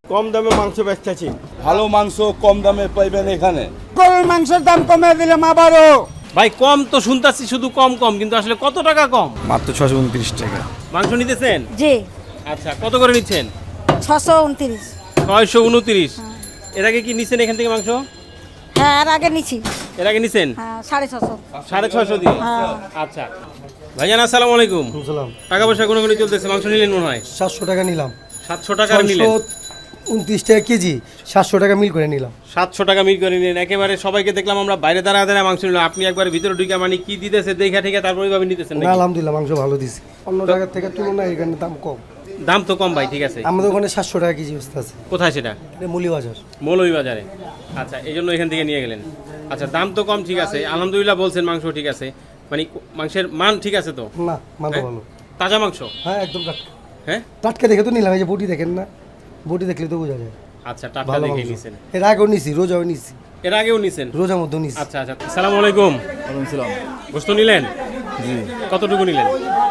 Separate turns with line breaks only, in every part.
কম দামে মাংস বেচতেছি।
ভালো মাংস কম দামে পাইবেন এখানে।
গরুর মাংসের দাম কমে দিলাম আবারও।
ভাই কম তো শুনতাছি, শুধু কম কম, কিন্তু আসলে কত টাকা কম?
মাত্র 629 টাকা।
মাংস নিতেছেন?
জি
আচ্ছা, কত করে নিচ্ছেন?
629।
629। এর আগে কি নিছেন এখান থেকে মাংস?
হ্যাঁ আর আগে নিছি।
এর আগে নিছেন?
হ্যাঁ 650।
650 দিয়ে। আচ্ছা ভাইজান, আসসালামু আলাইকুম।
সালাম।
টাকা পয়সা কোনো চলতেছে? মাংস নিলেন মনে হয়?
700 টাকা নিলাম।
700 টাকার নিলেন?
29 টাকা কেজি, 700 টাকা মিল করে নিলাম।
700 টাকা মিল করে নিলেন। একেবারে সবাইকে দেখলাম আমরা বাইরে দাঁড়া দাঁড়া মাংস নিলাম, আপনি একবারে ভিতরে ঢুকে মানে কি দিতেছে দেখা ঠিক তারপরে ভাবে নিতেছেন
না
নাকি?
আলহামদুলিল্লাহ মাংস ভালো দিছে, অন্য জায়গার থেকে তুলনায় এখানে দাম কম।
দাম তো কম ভাই, ঠিক আছে।
আমাদের ওখানে 700 টাকা কেজি বস্তা আছে।
কোথায় সেটা?
এটা মৌলভীবাজার।
মৌলভীবাজারে। আচ্ছা, এই জন্য এখান থেকে নিয়ে গেলেন। আচ্ছা, দাম তো কম, ঠিক আছে, আলহামদুলিল্লাহ বলছেন, মাংস ঠিক আছে, মানে মাংসের মান ঠিক আছে তো?
না মাংস
হ্যাঁ?
ভালো।
তাজা মাংস?
হ্যাঁ একদম টাটকা।
হ্যাঁ
টাটকা দেখে তো নিলাম, এই যে বটি দেখেন না, বটি দেখলে তো বোঝা যায়।
আচ্ছা, টাটকা
ভালো
দেখে
মাংস।
নিছেন?
এর আগেও নিছি, রোজাও নিছি।
এর আগেও নিছেন?
রোজার মধ্যে নিছি।
আচ্ছা আচ্ছা, আসসালামু আলাইকুম।
ওয়ালাইকুম সালাম।
গোশত নিলেন?
জি।
কতটুকু নিলেন?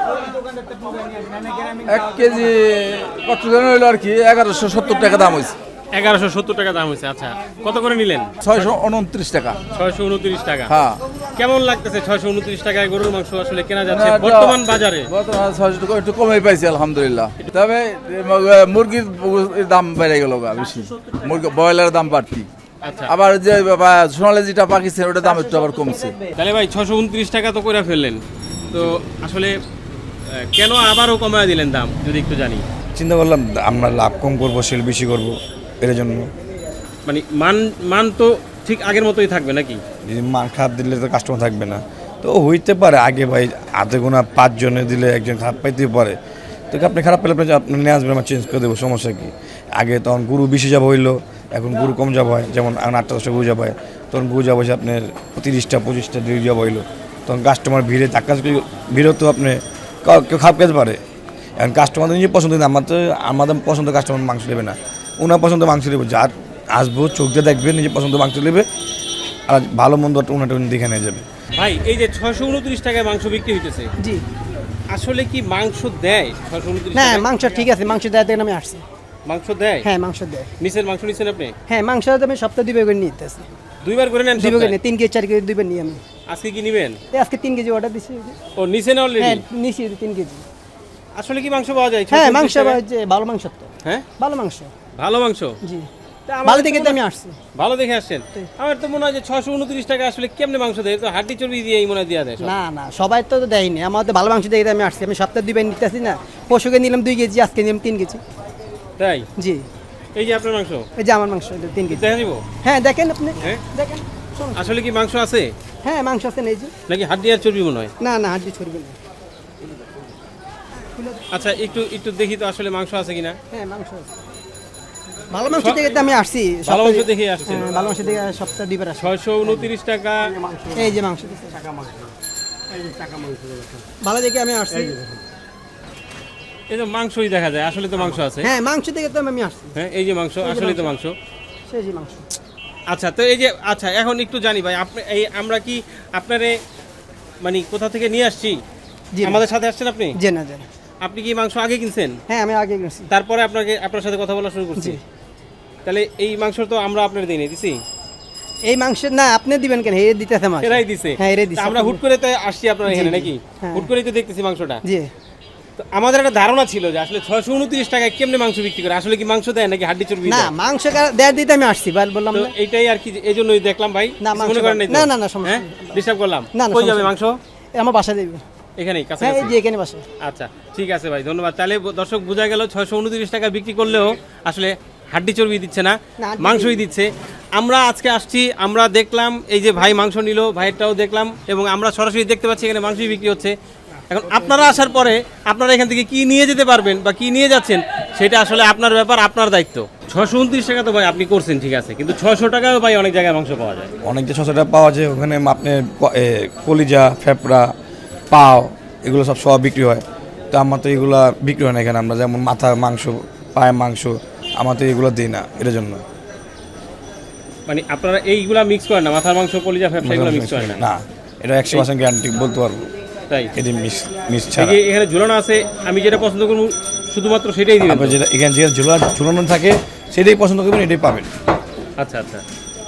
1 কেজি কত জন হইলো আর কি 1170 টাকা দাম হইছে।
1170 টাকা দাম হয়েছে। আচ্ছা, কত করে নিলেন?
629 টাকা।
629 টাকা।
হ্যাঁ।
কেমন লাগতেছে 629 টাকায় গরুর মাংস আসলে কেনা যাচ্ছে
না,
বর্তমান বাজারে?
বর্তমানে 600 টাকা একটু কমই পাইছি আলহামদুলিল্লাহ। তবে মুরগির দাম বেড়ে গেল বেশি, মুরগি ব্রয়লারের দাম বাড়তি।
আচ্ছা,
আবার যে সোনালি যেটা পাকিস্তান ওটার দাম একটু আবার কমছে।
তাহলে ভাই 629 টাকা তো করে ফেললেন, তো আসলে কেন আবারও কমায় দিলেন দাম যদি একটু জানি?
চিন্তা করলাম আমরা লাভ কম করবো, সেল বেশি করবো, এর জন্য।
মানে মান তো ঠিক আগের মতোই থাকবে নাকি?
যদি মান খারাপ দিলে তো কাস্টমার থাকবে না। তো হইতে পারে আগে ভাই হাতে গোনা 5 জনে দিলে একজন খারাপ পাইতে পারে, তো আপনি খারাপ পেলে আপনি নিয়ে আসবেন, আমরা চেঞ্জ করে দেবো, সমস্যা কি? আগে তখন গরু বেশি যাব হইলো, এখন গরু কম যাব হয়, যেমন এখন 8-10টা গরু যাব হয়, তখন গরু যাব হয়েছে আপনার 30টা 25টা দিয়ে যাব হইলো, তখন কাস্টমার ভিড়ে ধাক্কা ভিড়ও তো আপনি কেউ খারাপ খেতে পারে। এখন কাস্টমারদের নিজে পছন্দ, আমাদের পছন্দ কাস্টমার মাংস নেবে না, ওনার পছন্দ মাংস নেবে, যার আসবো চোখ দিয়ে দেখবে, নিজে পছন্দ মাংস নেবে, আর ভালো মন্দ ওনাটা উনি দেখে নিয়ে যাবে।
ভাই এই যে 629 টাকায় মাংস বিক্রি হইতেছে,
জি
আসলে কি মাংস দেয় 629
না,
টাকায়?
মাংস ঠিক আছে, মাংস দেওয়ার থেকে আমি আসছি।
মাংস দেয়?
হ্যাঁ মাংস দেয়।
নিছেন মাংস নিছেন আপনি?
হ্যাঁ মাংস আমি সপ্তাহে 2 বার করে নিতেছি।
2 বার করে নেন?
2 বার করে নিই, 3 কেজি 4 কেজি 2 বার নিই আমি।
আজকে কি নিবেন?
আজকে 3 কেজি অর্ডার দিছি।
ও নিছেন অলরেডি?
হ্যাঁ নিছি 3 কেজি।
আসলে কি মাংস পাওয়া যায়?
হ্যাঁ
629
মাংস
টাকায়?
যে ভালো মাংস তো।
হ্যাঁ
ভালো মাংস।
ভালো মাংস?
জি
তা আমার
ভালো
তো
দেখে তো
মনে-
আমি আসছি।
ভালো দেখে আসছেন। আমার তো মনে হয় যে 629 টাকা আসলে কেমনে মাংস দেয়, তো হাড্ডি চর্বি দিয়েই মনে হয় দেয়া দেয় সব।
না না সবাই তো দেয়নি, আমার তো ভালো মাংস দেখে আমি আসছি। আমি সপ্তাহে 2 বার নিতেছি না, পশুকে নিলাম 2 কেজি, আজকে নিলাম 3 কেজি।
তাই?
জি
এই যে আপনার মাংস
এই যে আমার মাংস 3 কেজি।
দেখা দিব?
হ্যাঁ দেখেন আপনি,
হ্যাঁ?
দেখেন শুনুন।
আসলে কি মাংস আছে
হ্যাঁ মাংস আছে এই যে।
নাকি হাড্ডি আর চর্বি মনে হয়?
না না হাড্ডি ছড়বে না।
আচ্ছা, একটু একটু দেখি তো আসলে মাংস আছে কিনা।
হ্যাঁ মাংস আছে। ভালো মাংস দেখে তো আমি আসছি।
ভালো মাংস
সপ্তাহে-
দেখে আসছেন?
হ্যাঁ, ভালো মাংস দেখে সপ্তাহে 2 বার আসি।
629 টাকা।
এই যে মাংস ভালো দেখে আমি আসছি।
এই তো মাংসই দেখা যায়, আসলে তো মাংস আছে।
হ্যাঁ মাংস দেখে তো আমি আসছি।
হ্যাঁ, এই যে মাংস, আসলে তো মাংস।
সেই যে মাংস।
আচ্ছা, তো এই যে, আচ্ছা এখন একটু জানি ভাই, আপনি এই আমরা কি আপনারে মানে কোথা থেকে নিয়ে আসছি?
জি না।
আমাদের সাথে আসছেন আপনি?
জি না জি না।
আপনি কি মাংস আগে কিনছেন?
হ্যাঁ আমি আগে গেছি।
তারপরে আপনার সাথে কথা বলা শুরু করছি?
জি।
তাহলে এই মাংস তো আমরা আপনার দিই নাই, দিছি?
এই মাংস না আপনি দিবেন কেন? এই দিতেছে আমাকে।
এরাই দিছে?
হ্যাঁ এরাই দিছে।
তা আমরা হুট করে তো আসছি আপনার এখানে
জি,
নাকি?
হ্যাঁ।
হুট করেই তো দেখতেছি মাংসটা।
জি
তো আমাদের একটা ধারণা ছিল যে আসলে 629 টাকায় কেমনে মাংস বিক্রি করে, আসলে কি মাংস দেয় নাকি হাড্ডি চর্বি
না
দেয়?
মাংস দেড় দিতে আমি আসছি বললাম
তো
না।
এইটাই আর কি, এই জন্যই দেখলাম ভাই।
না,
কিছু
মাংস
মনে করেন নাই তো?
না, না, না, সমস্যা
হ্যাঁ,
নেই।
ডিস্টার্ব করলাম?
না, না,
কই যাবে
সমস্যা
মাংস?
আমার বাসায় দেব।
এখানেই কাছে
হ্যাঁ এই
কাছে?
যে এখানে বাসা।
আচ্ছা ঠিক আছে ভাই, ধন্যবাদ। তাহলে দর্শক বোঝা গেল 629 টাকা বিক্রি করলেও আসলে হাড্ডি চর্বি দিচ্ছে না,
না, হাড্ডি
মাংসই দিচ্ছে। আমরা আজকে আসছি, আমরা দেখলাম এই যে ভাই মাংস নিল, ভাইয়েরটাও দেখলাম, এবং আমরা সরাসরি দেখতে পাচ্ছি এখানে মাংসই বিক্রি হচ্ছে। এখন আপনারা আসার পরে আপনারা এখান থেকে কি নিয়ে যেতে পারবেন বা কি নিয়ে যাচ্ছেন সেটা আসলে আপনার ব্যাপার, আপনার দায়িত্ব। 629 টাকা তো ভাই আপনি করছেন, ঠিক আছে, কিন্তু 600 টাকাও ভাই অনেক জায়গায় মাংস পাওয়া যায়।
অনেকটা 600 টাকা পাওয়া যায়, ওখানে আপনার কলিজা, ফেপড়া, পাও এগুলো সব বিক্রি হয়। তো আমার তো এগুলো বিক্রি হয় না এখানে, আমরা যেমন মাথার মাংস, পায়ের মাংস, আমার তো এগুলো দিই না, এর জন্য।
মানে আপনারা এইগুলা মিক্স করেন না? মাথার মাংস, কলিজা, ফ্যাপসা এগুলো মিক্স করেন না?
না, এটা 100% গ্যারান্টি বলতে পারবো,
তাই?
এটি মিস
এই
ছাড়া।
যে এখানে ঝুলানো আছে, আমি যেটা পছন্দ করবো শুধুমাত্র সেটাই দিবেন তো?
যেটা এখানে যে ঝুলানো থাকে সেটাই পছন্দ করবেন, এটাই পাবেন।
আচ্ছা আচ্ছা,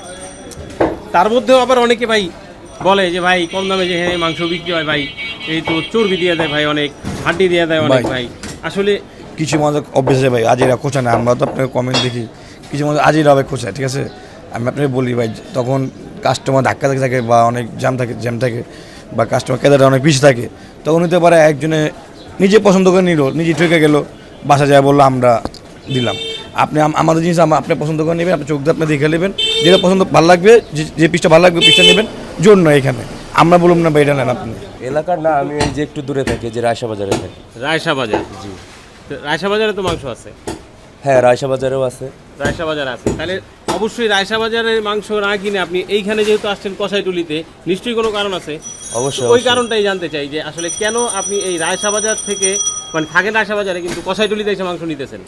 তার মধ্যেও আবার অনেকে ভাই বলে যে ভাই কম দামে যেখানে মাংস বিক্রি হয় ভাই এই তো চর্বি দিয়ে দেয় ভাই, অনেক হাড্ডি দিয়ে দেয় অনেক ভাই, আসলে
কিছু মানুষ অভ্যেস আছে ভাই আজিরা খোঁচা না, আমরা তো আপনার কমেন্ট দেখি কিছু মানুষ আজিরা হবে খোঁচা, ঠিক আছে। আমি আপনাকে বলি ভাই, তখন কাস্টমার ধাক্কা থাকে বা অনেক জ্যাম থাকে বা কাস্টমার কেদারটা অনেক বেশি থাকে, তখন হতে পারে একজনে নিজে পছন্দ করে নিল, নিজে ঠকে গেল, বাসা যায় বললো আমরা দিলাম। আপনি আমাদের জিনিস আপনি পছন্দ করে নেবেন, আপনি চোখ দিয়ে আপনি দেখে নেবেন, যেটা পছন্দ ভালো লাগবে, যে পিসটা ভালো লাগবে পিসটা নেবেন, জন্য এখানে আমরা বলুন না ভাই এটা নেন আপনি।
এলাকার না, আমি এই যে একটু দূরে থাকি, যে রায়সা বাজারে থাকি।
রায়সা বাজার, জি, রায়সা বাজারে তো মাংস আছে?
হ্যাঁ, রায়সা বাজারেও আছে।
রায়সা বাজার আছে, তাহলে অবশ্যই রায়সা বাজারের মাংস না কিনে আপনি এইখানে যেহেতু আসছেন কসাইটুলিতে, নিশ্চয়ই কোনো কারণ আছে।
অবশ্যই,
ওই কারণটাই জানতে চাই যে আসলে কেন আপনি এই রায়সা বাজার থেকে, মানে থাকেন রায়সা বাজারে কিন্তু কসাইটুলিতে এসে মাংস নিতেছেন?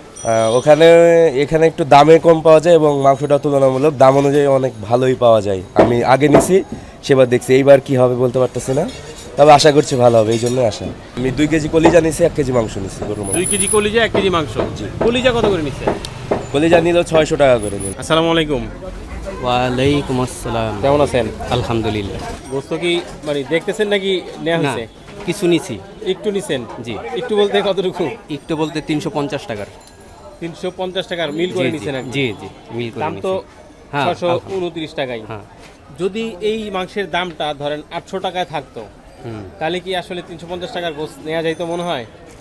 এখানে একটু দামে কম পাওয়া যায় এবং মাংসটা তুলনামূলক দাম অনুযায়ী অনেক ভালোই পাওয়া যায়। আমি আগে নিছি, সেবার দেখছি, এইবার কি হবে বলতে পারতেছি না, তবে আশা করছি ভালো হবে, এই জন্যই আসা। আমি 2 কেজি কলিজা নিছি, 1 কেজি মাংস নিছি গরুর মাংস।
2 কেজি কলিজা 1 কেজি মাংস। জি, কলিজা কত করে নিচ্ছেন?
কলিজা নিল 600 টাকা করে নিল।
আসসালামু আলাইকুম।
ওয়ালাইকুম আসসালাম।
কেমন আছেন?
আলহামদুলিল্লাহ।
গোস্ত কি মানে দেখতেছেন নাকি নেওয়া
না,
হয়েছে?
কিছু নিছি।
একটু নিছেন?
জি।
একটু বলতে কতটুকু?
একটু বলতে 350 টাকার।
350 টাকার মিল করে
জি,
নিছেন আর কি?
জি জি মিল করে
দাম তো
নিছি। হ্যাঁ,
629 টাকাই।
হ্যাঁ।
যদি এই মাংসের দামটা ধরেন 800 টাকায় থাকতো,
হুম।
তাহলে কি আসলে 350 টাকার গোস্ত নেওয়া যাইতো মনে হয়?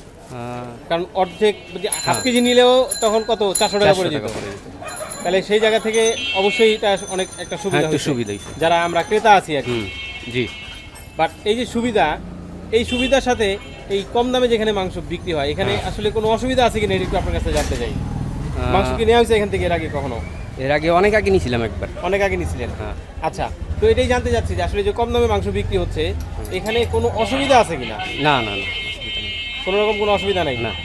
আহ,
কারণ অর্ধেক যদি হাফ কেজি নিলেও তখন কত 400 টাকা
400
পড়ে যেত।
টাকা পড়ে যেত।
তাহলে সেই জায়গা থেকে অবশ্যই এটা অনেক একটা
হ্যাঁ,
সুবিধা
একটু
হয়েছে
সুবিধা হয়েছে।
যারা আমরা ক্রেতা আছি আর কি।
হুম, জি।
বাট এই যে সুবিধা, এই সুবিধার সাথে এই কম দামে যেখানে মাংস বিক্রি হয়, এখানে আসলে কোনো অসুবিধা আছে কিনা এটা একটু আপনার কাছে জানতে চাই। মাংস কি নেওয়া হয়েছে এখান থেকে এর আগে কখনো?
এর আগে অনেক আগে নিয়েছিলাম একবার।
অনেক আগে নিয়েছিলেন?
হ্যাঁ।
আচ্ছা, তো এটাই জানতে চাচ্ছি যে আসলে যে কম দামে মাংস বিক্রি হচ্ছে এখানে কোনো অসুবিধা আছে কিনা?
না না না, অসুবিধা নেই।
কোনো রকম কোনো অসুবিধা নাই?
না।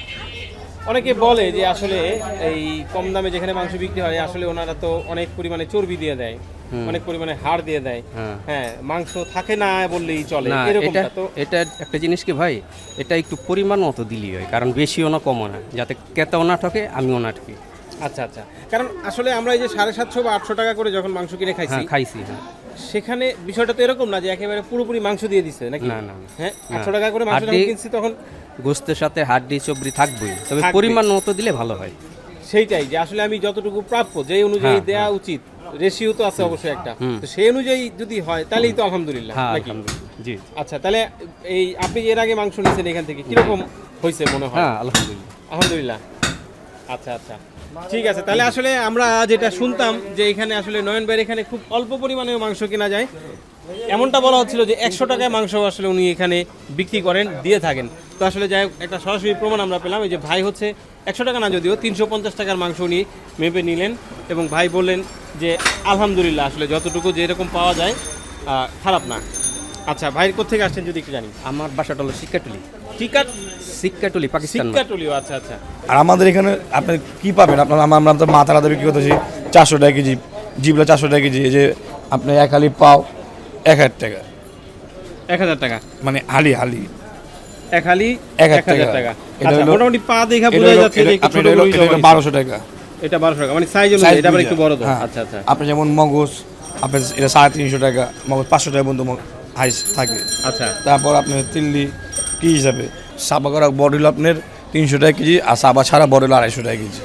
অনেকে বলে যে আসলে এই কম দামে যেখানে মাংস বিক্রি হয় আসলে ওনারা তো অনেক পরিমাণে চর্বি দিয়ে দেয়, অনেক পরিমাণে হাড় দিয়ে দেয়।
হ্যাঁ।
হ্যাঁ, মাংস থাকে না বললেই চলে,
না,
এরকমটা তো।
এটা একটা জিনিস কি ভাই, এটা একটু পরিমাণ মতো দিলেই হয়, কারণ বেশিও না কমও না, যাতে ক্রেতাও না ঠকে আমিও না ঠকি।
আচ্ছা আচ্ছা, কারণ আসলে আমরা এই যে 750 বা 800 টাকা করে যখন মাংস কিনে খাইছি,
হ্যাঁ, খাইছি। হ্যাঁ।
সেখানে বিষয়টা তো এরকম না যে একেবারে পুরোপুরি মাংস দিয়ে দিচ্ছে নাকি?
না, না, না।
হ্যাঁ,
না।
800 টাকা করে মাংস যখন
হাড্ডি-
কিনছি তখন
গোস্তের সাথে হাড্ডি চবড়ি থাকবেই, তবে
থাকবেই।
পরিমাণ মতো দিলে ভালো হয়।
সেইটাই যে আসলে আমি যতটুকু প্রাপ্য যেই অনুযায়ী
হ্যাঁ,
দেওয়া উচিত, রেশিও তো আছে অবশ্যই একটা,
হুম।
তো সেই অনুযায়ী যদি হয় তাহলেই তো আলহামদুলিল্লাহ
হ্যাঁ,
নাকি?
আলহামদুলিল্লাহ। জি।
আচ্ছা, তাহলে এই আপনি এর আগে মাংস নিয়েছেন এখান থেকে কিরকম হয়েছে মনে হয়?
হ্যাঁ, আলহামদুলিল্লাহ।
আলহামদুলিল্লাহ। আচ্ছা আচ্ছা, ঠিক আছে। তাহলে আসলে আমরা যেটা শুনতাম যে এখানে আসলে নয়ন ভাইয়ের এখানে খুব অল্প পরিমাণে মাংস কেনা যায়, এমনটা বলা হচ্ছিল যে 100 টাকায় মাংস আসলে উনি এখানে বিক্রি করেন, দিয়ে থাকেন। তো আসলে যাই হোক, একটা সরাসরি প্রমাণ আমরা পেলাম, এই যে ভাই হচ্ছে 100 টাকা না যদিও 350 টাকার মাংস উনি মেপে নিলেন এবং ভাই বললেন যে আলহামদুলিল্লাহ আসলে যতটুকু যেরকম পাওয়া যায় খারাপ না। আচ্ছা, ভাইয়ের কোথেকে আসছেন যদি একটু জানি?
আমার বাসাটা হলো শিক্ষাটুলি।
টিকাট
শিক্ষাটুলি, পাকিস্তান।
সিক্কাটুলিও, আচ্ছা আচ্ছা।
আর আমাদের এখানে আপনি কি পাবেন, আপনার আমরা তো মাথা আলাদা বিক্রি করতেছি 400 টাকা কেজি, জিবলা 400 টাকা কেজি, এই যে আপনি এক হালি পাও 1000 টাকা,
1000 টাকা
মানে হালি
এক হালি
1000
1000
টাকা।
টাকা।
এটা
আচ্ছা,
হলো-
মোটামুটি পা দেখা
এটা
বোঝা
হলো-
যাচ্ছে যে একটু
আপনি
ছোট
এটা হলো-
গরুই
এটা হলো
জবাই
1200 টাকা।
এটা 1200 টাকা, মানে সাইজ অনুযায়ী এটা আবার একটু বড় তো।
হ্যাঁ।
আচ্ছা আচ্ছা
আপনি যেমন মগজ, আপনার এটা 350 টাকা, মগজ 500 টাকা পর্যন্ত হাইস থাকে।
আচ্ছা
তারপর আপনার তিল্লি কি হিসাবে সাবা করা বড় হলো আপনার 300 টাকা কেজি, আর সাবা ছাড়া বড় হলো 250 টাকা কেজি।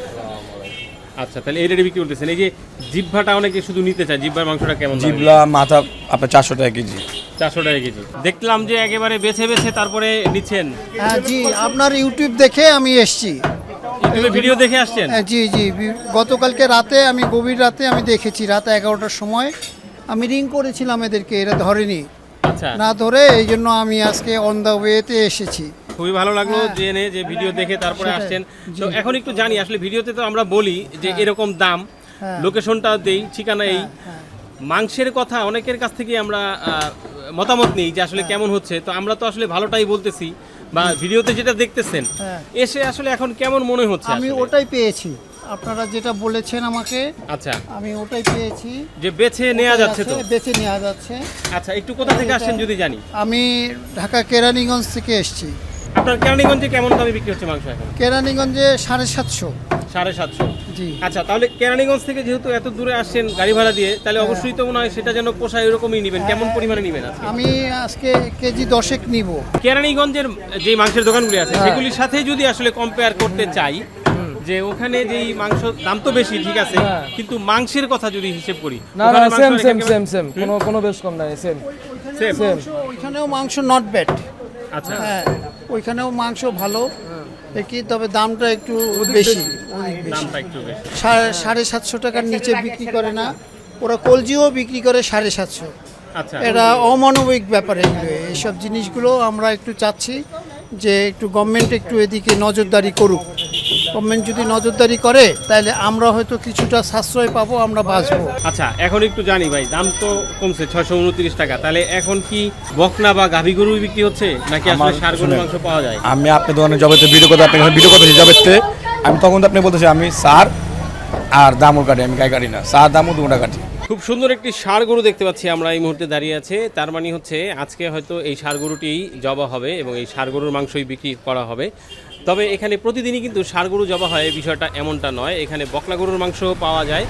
আচ্ছা, তাহলে এই রেটে বিক্রি করতেছেন। এই যে জিহ্বাটা অনেকে শুধু নিতে চায়, জিহ্বার মাংসটা কেমন দামে?
জিবলা মাথা আপনার 400 টাকা কেজি।
400 টাকা কেজি। দেখলাম যে একেবারে বেছে বেছে তারপরে নিচ্ছেন।
হ্যাঁ জি, আপনার ইউটিউব দেখে আমি এসেছি।
ইউটিউবে ভিডিও দেখে আসছেন?
জি জি, গতকালকে রাতে আমি গভীর রাতে আমি দেখেছি, রাত 11টার সময় আমি রিং করেছিলাম এদেরকে, এরা ধরেনি,
আচ্ছা,
না ধরে এই জন্য আমি আজকে অন দ্য ওয়েতে এসেছি।
খুবই ভালো লাগলো
হ্যাঁ।
জেনে যে ভিডিও দেখে তারপরে
সেটাই।
আসছেন। তো এখন একটু জানি আসলে ভিডিওতে তো আমরা বলি যে এরকম দাম,
হ্যাঁ।
লোকেশনটা দেই, ঠিকানা এই,
হ্যাঁ।
মাংসের কথা অনেকের কাছ থেকে আমরা মতামত নেই যে আসলে কেমন হচ্ছে। তো আমরা তো আসলে ভালোটাই বলতেছি, বা ভিডিওতে যেটা দেখতেছেন
হ্যাঁ।
এসে আসলে এখন কেমন মনে হচ্ছে
আমি
আসলে?
ওটাই পেয়েছি, আপনারা যেটা বলেছেন আমাকে,
আচ্ছা,
আমি ওটাই পেয়েছি।
যে বেছে নেওয়া যাচ্ছে তো।
বেছে নেওয়া যাচ্ছে।
আচ্ছা, একটু কোথা থেকে আসছেন যদি জানি?
আমি ঢাকা কেরানীগঞ্জ থেকে এসেছি।
আপনার কেরানীগঞ্জে কেমন দামে বিক্রি হচ্ছে মাংস এখন?
কেরানীগঞ্জে 750।
750।
জি।
আচ্ছা, তাহলে কেরানীগঞ্জ থেকে যেহেতু এত দূরে আসছেন গাড়ি ভাড়া দিয়ে, তাহলে অবশ্যই তো মনে হয় সেটা যেন পোষায় এরকমই নেবেন। কেমন পরিমাণে নেবেন আজকে?
আমি আজকে কেজি 10 নিব।
কেরানীগঞ্জের যে মাংসের দোকানগুলি আছে সেগুলির সাথে যদি আসলে কম্পেয়ার করতে চাই, যে ওখানে যেই মাংস দাম তো বেশি ঠিক আছে, কিন্তু মাংসের কথা যদি হিসেব করি,
না
ওখানে
সেম
মাংস
সেম
একেবারে-
সেম সেম কোনো বেশ কম নাই সেম
Same?
সেম।
ওইখানেও মাংস নট ব্যাড।
আচ্ছা,
হ্যাঁ, ওইখানেও মাংস ভালো কি, তবে দামটা একটু বেশি, অনেক বেশি।
দামটা একটু বেশি।
750 টাকার নিচে বিক্রি করে না। ওরা কলজিও বিক্রি করে 750।
আচ্ছা,
এটা অমানবিক ব্যাপার। এগুলো এইসব জিনিসগুলো আমরা একটু চাচ্ছি যে একটু গভর্নমেন্ট একটু এদিকে নজরদারি করুক। গভর্নমেন্ট যদি নজরদারি করে তাহলে আমরা হয়তো কিছুটা সাশ্রয় পাবো, আমরা বাঁচবো।
আচ্ছা, এখন একটু জানি ভাই, দাম তো কমছে 629 টাকা, তাহলে এখন কি বকনা বা গাভী গরু বিক্রি হচ্ছে নাকি আসলে
আমার-
ষাঁড় গরুর
শুনেন,
মাংস পাওয়া যায়?
আমি আপনি দোকানে জবেতে ভিডিও করতে আপনার ভিডিও করতেছি জবেতে, আমি তখন তো আপনি বলতেছি আমি সার আর দামও কাটি, আমি গায়ে কাটি না, সার দামও দুটা কাটি।
খুব সুন্দর একটি ষাঁড় গরু দেখতে পাচ্ছি আমরা এই মুহূর্তে দাঁড়িয়ে আছে। তার মানে হচ্ছে আজকে হয়তো এই ষাঁড় গরুটিই জবা হবে এবং এই ষাঁড় গরুর মাংসই বিক্রি করা হবে। তবে এখানে প্রতিদিনই কিন্তু ষাঁড় গরু জবা হয়, এই বিষয়টা এমনটা নয়। এখানে বকনা গরুর মাংস পাওয়া যায়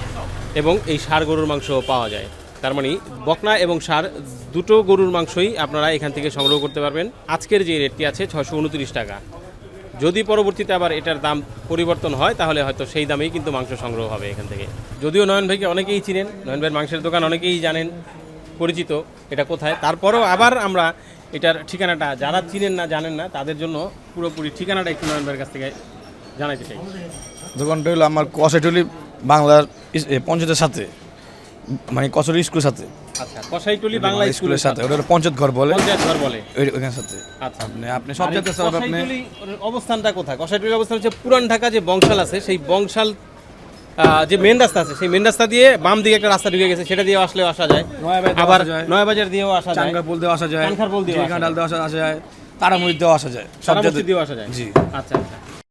এবং এই ষাঁড় গরুর মাংস পাওয়া যায়। তার মানে বকনা এবং ষাঁড় দুটো গরুর মাংসই আপনারা এখান থেকে সংগ্রহ করতে পারবেন। আজকের যে রেটটি আছে 629 টাকা। যদি পরবর্তীতে আবার এটার দাম পরিবর্তন হয় তাহলে হয়তো সেই দামেই কিন্তু মাংস সংগ্রহ হবে এখান থেকে। যদিও নয়ন ভাইকে অনেকেই চিনেন, নয়ন ভাইয়ের মাংসের দোকান অনেকেই জানেন, পরিচিত এটা কোথায়। তারপরেও আবার আমরা এটার ঠিকানাটা যারা চিনেন না জানেন না তাদের জন্য পুরোপুরি ঠিকানাটা একটু নয়ন ভাইয়ের কাছ থেকে জানাইতে চাই।
দোকানটা হলো আমার কষাইটুলি বাংলার পঞ্চায়েতের সাথে, মানে কচুরি স্কুলের সাথে,
আচ্ছা, কসাইটুলি বাংলা
স্কুলের সাথে, ওটা হলো পঞ্চায়েত ঘর বলে,
পঞ্চায়েত ঘর বলে।
ওইখানের সাথে।
আচ্ছা,
আপনি সব জায়গাতে স্যার আপনি
কসাইটুলি অবস্থানটা কোথায়? কসাইটুলির অবস্থান হচ্ছে পুরান ঢাকা যে বংশাল আছে, সেই বংশাল যে মেন রাস্তা আছে, সেই মেন রাস্তা দিয়ে বাম দিকে একটা রাস্তা ঢুকে গেছে, সেটা দিয়েও আসলেও আসা যায়, আবার নয়াবাজার দিয়েও আসা যায়,
চাঙ্গাপুল দিয়ে আসা যায়,
কানখারপুল দিয়েও আসা
ডাল দিয়ে আসা যায়, তারামুড়ি দিয়েও আসা যায়, সব
সারামুখী
জায়গাতে
দিয়েও আসা যায়।
জি।
আচ্ছা আচ্ছা।